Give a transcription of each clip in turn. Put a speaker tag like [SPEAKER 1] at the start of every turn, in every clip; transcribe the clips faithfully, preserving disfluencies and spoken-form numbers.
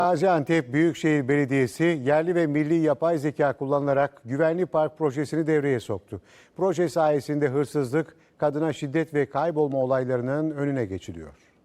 [SPEAKER 1] Gaziantep Büyükşehir Belediyesi yerli ve milli yapay zeka kullanılarak güvenli park projesini devreye soktu. Proje sayesinde hırsızlık, kadına şiddet ve kaybolma olaylarının önüne geçiliyor.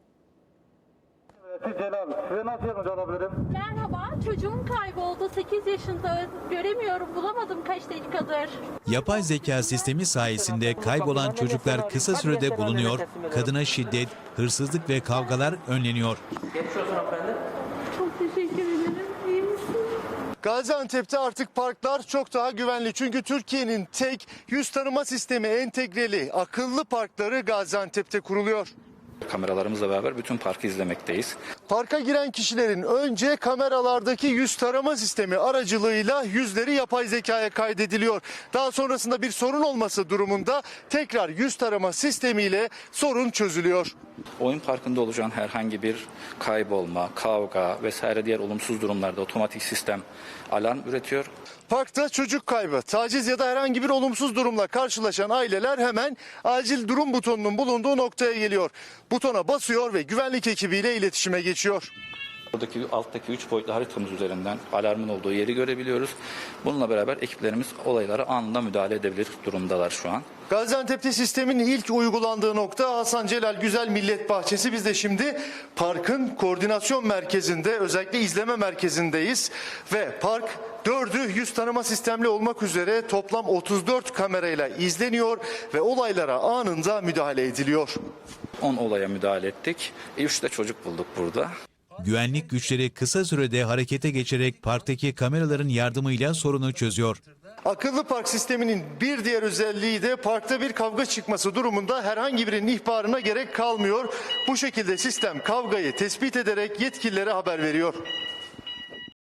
[SPEAKER 2] Celal, size nasıl yardımcı olabilirim?
[SPEAKER 3] Merhaba, çocuğum kayboldu. sekiz yaşında, göremiyorum, bulamadım kaç dakikadır.
[SPEAKER 4] Yapay zeka sistemi sayesinde kaybolan çocuklar kısa sürede bulunuyor, kadına şiddet, hırsızlık ve kavgalar önleniyor.
[SPEAKER 5] Geçmiş olsun hanımefendi.
[SPEAKER 3] Çok teşekkür ederim. İyi misin?
[SPEAKER 6] Gaziantep'te artık parklar çok daha güvenli. Çünkü Türkiye'nin tek yüz tanıma sistemi entegreli akıllı parkları Gaziantep'te kuruluyor.
[SPEAKER 7] Kameralarımızla beraber bütün parkı izlemekteyiz.
[SPEAKER 6] Parka giren kişilerin önce kameralardaki yüz tarama sistemi aracılığıyla yüzleri yapay zekaya kaydediliyor. Daha sonrasında bir sorun olması durumunda tekrar yüz tarama sistemiyle sorun çözülüyor.
[SPEAKER 7] Oyun parkında olacağın herhangi bir kaybolma, kavga vesaire diğer olumsuz durumlarda otomatik sistem alarm üretiyor.
[SPEAKER 6] Parkta çocuk kaybı, taciz ya da herhangi bir olumsuz durumla karşılaşan aileler hemen acil durum butonunun bulunduğu noktaya geliyor. Butona basıyor ve güvenlik ekibiyle iletişime geçiyor.
[SPEAKER 7] Buradaki alttaki üç boyutlu haritamız üzerinden alarmın olduğu yeri görebiliyoruz. Bununla beraber ekiplerimiz olaylara anında müdahale edebilir durumdalar şu an.
[SPEAKER 6] Gaziantep'te sistemin ilk uygulandığı nokta Hasan Celal Güzel Millet Bahçesi. Biz de şimdi parkın koordinasyon merkezinde, özellikle izleme merkezindeyiz. Ve park dördü yüz tanıma sistemli olmak üzere toplam otuz dört kamerayla izleniyor ve olaylara anında müdahale ediliyor.
[SPEAKER 7] on olaya müdahale ettik. üç de çocuk bulduk burada.
[SPEAKER 4] Güvenlik güçleri kısa sürede harekete geçerek parktaki kameraların yardımıyla sorunu çözüyor.
[SPEAKER 6] Akıllı park sisteminin bir diğer özelliği de parkta bir kavga çıkması durumunda herhangi birinin ihbarına gerek kalmıyor. Bu şekilde sistem kavgayı tespit ederek yetkililere haber veriyor.